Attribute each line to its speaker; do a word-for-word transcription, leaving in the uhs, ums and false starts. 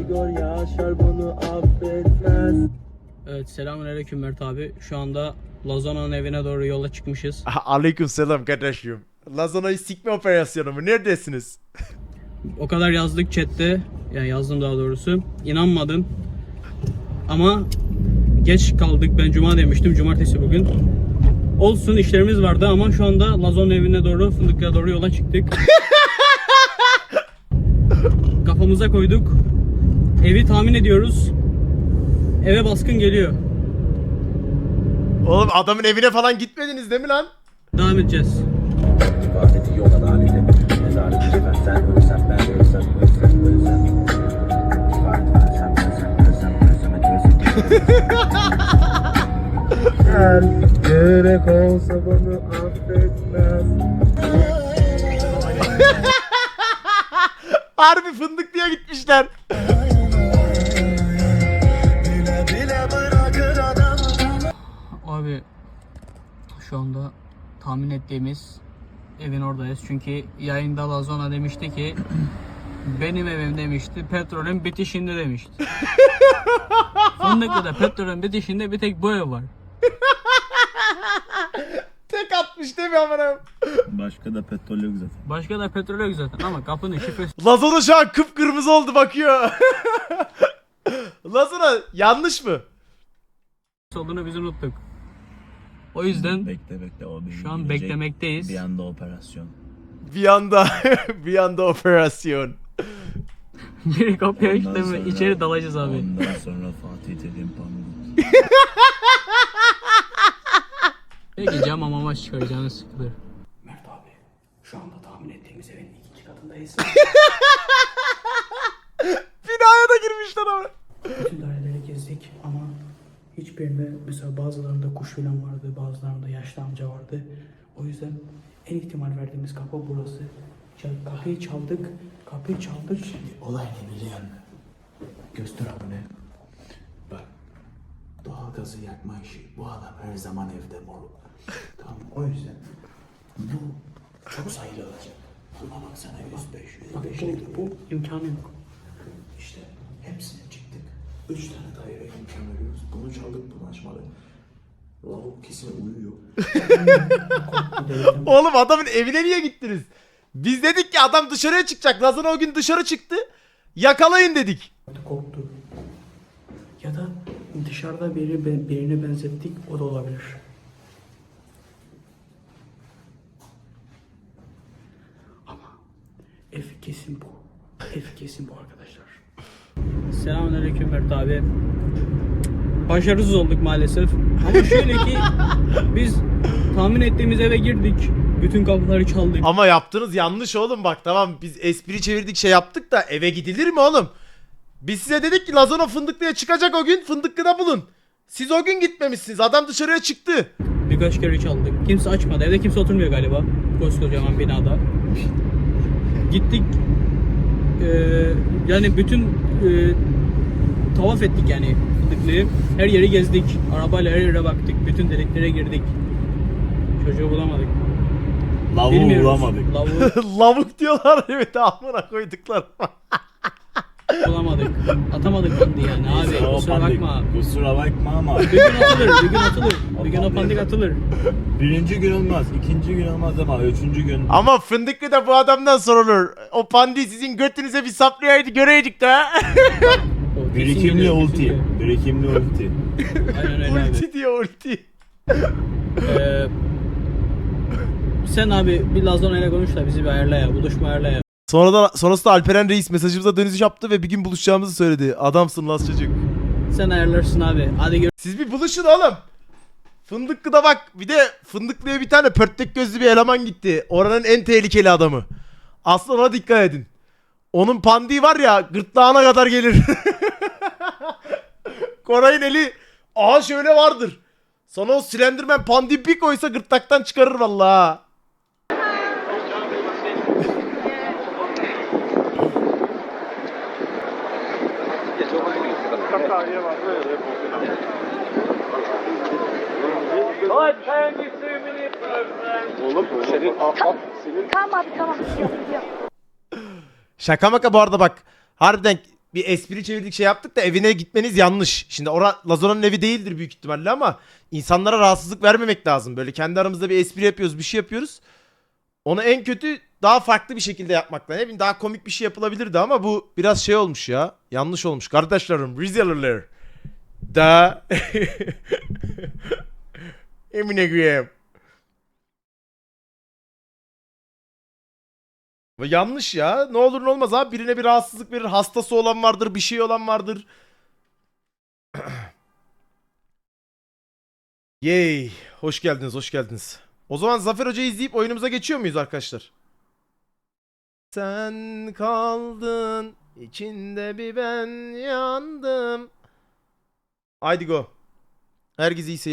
Speaker 1: Igor Yaşar bunu affetmez.
Speaker 2: Evet, selamünaleyküm Mert abi. Şu anda Lazona'nın evine doğru yola çıkmışız.
Speaker 3: Aleyküm selam kardeşim. Lazona'yı sikme operasyonu mu? Neredesiniz?
Speaker 2: O kadar yazdık chatte. Yani yazdım daha doğrusu. İnanmadın. Ama geç kaldık. Ben cuma demiştim. Cumartesi bugün. Olsun, işlerimiz vardı ama şu anda Lazona'nın evine doğru, Fındıklı'ya doğru yola çıktık. Kafamıza koyduk. Evi tahmin ediyoruz. Eve baskın geliyor.
Speaker 3: Oğlum adamın evine falan gitmediniz değil mi lan?
Speaker 2: Devam edeceğiz.
Speaker 1: İbadeti yol adaleti. Mezarı düşmez sen ölsem ben ölsem ölsem ölsem. İbadet ölsem ölsem ölsem ölsem ölsem. Her gerek olsa bana affetmez.
Speaker 3: Harbi fındık diye gitmişler.
Speaker 2: Abi şu anda tahmin ettiğimiz evin oradayız. Çünkü yayında Lazona demişti ki benim evim demişti, petrolün bitişinde demişti. Fındıklı'da petrolün bitişinde bir tek bu ev var.
Speaker 3: Tek atmış değil mi amına?
Speaker 4: Başka da petrol yok zaten.
Speaker 2: Başka da petrol yok zaten ama kapının şifresi
Speaker 3: Lazona şu an kıpkırmızı oldu bakıyor. Lazona yanlış mı?
Speaker 2: olduğunu biz unuttuk. O yüzden
Speaker 4: Bekle bekle o bir
Speaker 2: şu an
Speaker 4: gelecek.
Speaker 2: beklemekteyiz.
Speaker 4: Bir anda operasyon.
Speaker 3: Bir anda bir anda operasyon.
Speaker 2: Biri kapıyı
Speaker 4: Ondan
Speaker 2: açtı mı
Speaker 4: sonra-
Speaker 2: içeri dalacağız abi.
Speaker 4: Ondan sonra Fatih Terim Pamuk.
Speaker 2: Peki cam ama çıkaracağını sıkılır. Mert abi şu anda tahmin ettiğimiz evin ikinci katındayız.
Speaker 3: Binaya da girmişler ama.
Speaker 2: Bütün daireleri gezdik ama hiçbirinde mesela bazılarında kuş filan vardı, bazılarında yaşlı amca vardı. O yüzden en ihtimal verdiğimiz kapı burası. Çal- Kapıyı çaldık, kapıyı çaldık. Şimdi
Speaker 5: Olay ne biliyor musun? Göster abone. Bak. Doğalgazı yakma işi. Bu adam her zaman evde moruk. Tamam o yüzden bu çok sayılacak. Ama baksana yüz beş, yüz beş
Speaker 2: bu, bu imkanı yok.
Speaker 5: işte hepsine çıktık. Üç tane daire imkan veriyoruz. Bunu çaldık, bunu açmadık. Lavuk kesin uyuyor.
Speaker 3: Oğlum adamın evine niye gittiniz? Biz dedik ki adam dışarıya çıkacak. Lazona o gün dışarı çıktı. Yakalayın dedik.
Speaker 2: Korktu. Ya da dışarıda biri birine benzettik, o da olabilir. Ama ev kesin bu. Ev kesin bu arkadaşlar. Selamünaleyküm Mert abi. Başarısız olduk maalesef. Ama şöyle ki biz tahmin ettiğimiz eve girdik. Bütün kapıları çaldık.
Speaker 3: Ama yaptığınız yanlış oğlum bak tamam biz espri çevirdik şey yaptık da eve gidilir mi oğlum? Biz size dedik ki Lazona Fındıklı'ya çıkacak o gün Fındıklı'da bulun. Siz o gün gitmemişsiniz adam dışarıya çıktı.
Speaker 2: Birkaç kere çaldık. Kimse açmadı. Evde kimse oturmuyor galiba. Koskocaman binada. Gittik. Ee, yani bütün e, tavaf ettik yani Fındıklı'yı. Her yeri gezdik. Arabayla her yere baktık. Bütün deliklere girdik. Çocuğu bulamadık.
Speaker 4: Lavuğu
Speaker 2: Bilmiyoruz.
Speaker 4: bulamadık.
Speaker 2: Lavuğu
Speaker 3: Lavuk diyorlar evet amına koyduklar.
Speaker 2: bulamadık. Atamadık pandiği yani abi.
Speaker 4: O
Speaker 2: Kusura
Speaker 4: pandik.
Speaker 2: bakma.
Speaker 4: Kusura bakma ama.
Speaker 2: Bir gün atılır. Bir gün atılır. Bir gün o pandik atılır.
Speaker 4: Birinci gün olmaz, ikinci gün olmaz ama üçüncü gün.
Speaker 3: Ama Fındıklı'da bu adamdan sorulur. O pandi sizin götünüze bir saplayaydı göreydik de.
Speaker 2: O kesin
Speaker 4: Birikimli
Speaker 2: geliyor, kesin
Speaker 4: ulti.
Speaker 2: geliyor.
Speaker 4: Birikimli ulti.
Speaker 2: Aynen öyle abi.
Speaker 3: Ulti diyor ulti.
Speaker 2: Ee, sen abi bir Lazona ile konuş da bizi bir ayarla ya. Buluşma ayarla ya.
Speaker 3: Sonradan, sonrasında Alperen Reis mesajımıza dönüş yaptı ve bir gün buluşacağımızı söyledi. Adamsın Laz çocuk.
Speaker 2: Sen ayarlarsın abi. Hadi gör.
Speaker 3: Siz bir buluşun oğlum. Fındıklı'da bak bir de Fındıklı'ya bir tane pörtlek gözlü bir eleman gitti. Oranın en tehlikeli adamı. Aslında ona dikkat edin. Onun pandiği var ya gırtlağına kadar gelir. Koray'ın eli aha şöyle vardır. Sana o Slenderman pandiği bir koysa gırtlaktan çıkarır vallahi.
Speaker 6: Tamam abi tamam gidiyorum gidiyorum.
Speaker 3: Şaka maka bu arada bak. Harbiden bir espri çevirdik şey yaptık da evine gitmeniz yanlış. Şimdi ora Lazona'nın evi değildir büyük ihtimalle ama insanlara rahatsızlık vermemek lazım. Böyle kendi aramızda bir espri yapıyoruz, bir şey yapıyoruz. Onu en kötü daha farklı bir şekilde yapmakla. Ne bileyim daha komik bir şey yapılabilirdi ama bu biraz şey olmuş ya. Yanlış olmuş. Kardeşlerim, Rizeliler. Da. Emine koyayım. Bu yanlış ya. Ne olur ne olmaz abi. Birine bir rahatsızlık verir. Hastası olan vardır. Bir şey olan vardır. Yay. Hoş geldiniz. Hoş geldiniz. O zaman Zafer Hoca'yı izleyip oyunumuza geçiyor muyuz arkadaşlar? Sen kaldın. İçinde bir ben yandım. Haydi go. Herkese iyi seyirler.